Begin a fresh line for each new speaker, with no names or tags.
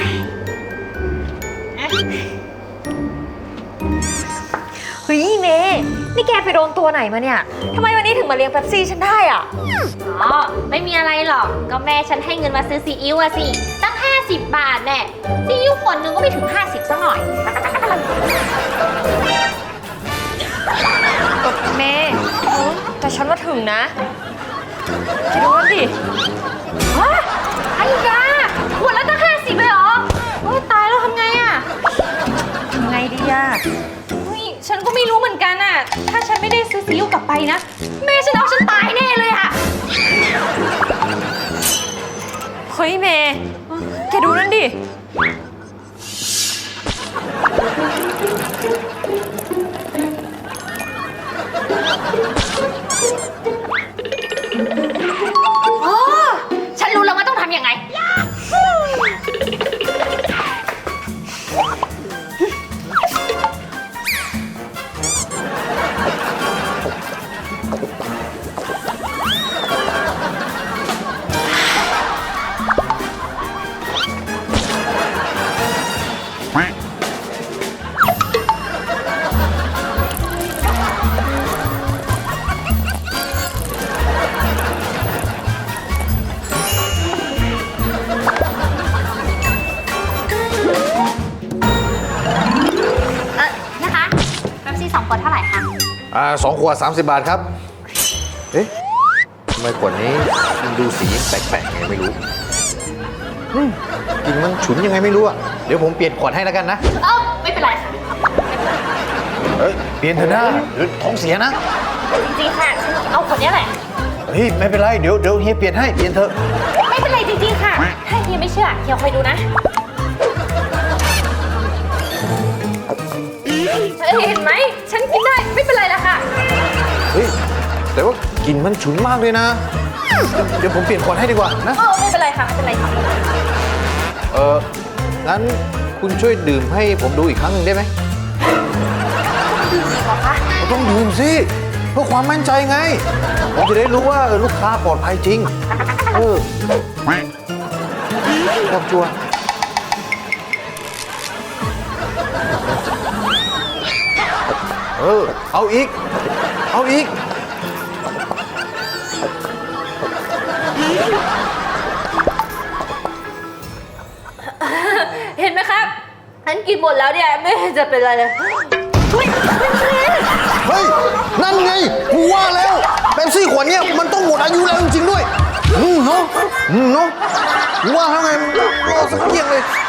เฮ้ยเมย์นี่แกไปโดนตัวไหนมาเนี่ยทำไมวันนี้ถึงมาเลี้ยงเป๊ปซี่ฉันได้อ่ะ
อ๋อไม่มีอะไรหรอกก็แม่ฉันให้เงินมาซื้อซีอิ๊วอะสิตั้ง50 บาทแน่ซีอิ๊วขวดนึงก็ไม่ถึง50ซะหน่อย
เมย์แต่ฉันว่าถึงนะคิดดูว่าดิ
ฮะไอ้ยาขวดละตั้ง50เลยเหรอโอ้ยตายแล้วทำไงอะ
ทำไงดีอ่ะ
ฉันก็ไม่รู้เหมือนกันอะถ้าฉันไม่ได้ซื้อซีอิ๊วกลับไปนะแม่ฉันเอาฉันตายแน่เลยอะ
เฮ้ยเมย์แกดูนั่นดิ
อ๋อฉันรู้แล้วว่าต้องทำยังไงนะคะเป๊ปซี่2 ขวดเท่าไหร่คะ
2 ขวด 30 บาทครับเอ๊ะทำไมขวดนี้มันดูสีแปลกๆไงไม่รู้กลิ่นมันฉุนยังไงไม่รู้อ่ะเดี๋ยวผมเปลี่ยนขวดให้แล้วกันนะ
ไม่เป็นไรค่ะ
เปลี่ยนเถอะนะหรือท้องเสียนะ
จริงๆค่ะฉันเอาขวดนี้แหละ
เฮ้ยไม่เป็นไรเดี๋ยวเฮียเปลี่ยนให้เปลี่ยนเถอะ
ไม่เป็นไรจริงๆค่ะถ้าเฮียไม่เชื่อเฮียคอยดูนะเห็นไหมฉันกินได้ไม่เป็นไรละค่ะ
เฮ้ยแต่ว่ากลิ่นมันฉุนมากเลยนะเดี๋ยวผมเปลี่ยนขวดให้ดีกว่านะ
ไม่เป็นไรค่ะไม่เป็นไรค่ะ
งั้นคุณช่วยดื่มให้ผมดูอีกครั้งหนึ่งได้ไหม
ดื่มดีกว่าคะ
ต้องดื่มสิเพื่อความมั่นใจไงผมจะได้รู้ว่าลูกค้าปลอดภัยจริงครับชัวเอาอีก
เห็นไหมครับฉันกินหมดแล้วเนี่ยไม่จะเป็นไรเลย
เฮ้ยนั่นไงกูว่าแล้วเป๊ปซี่ขวดเนี้ยมันต้องหมดอายุแล้วจริงๆด้วยเนาะกูว่าแล้วไงรอสักเที่ยงเลย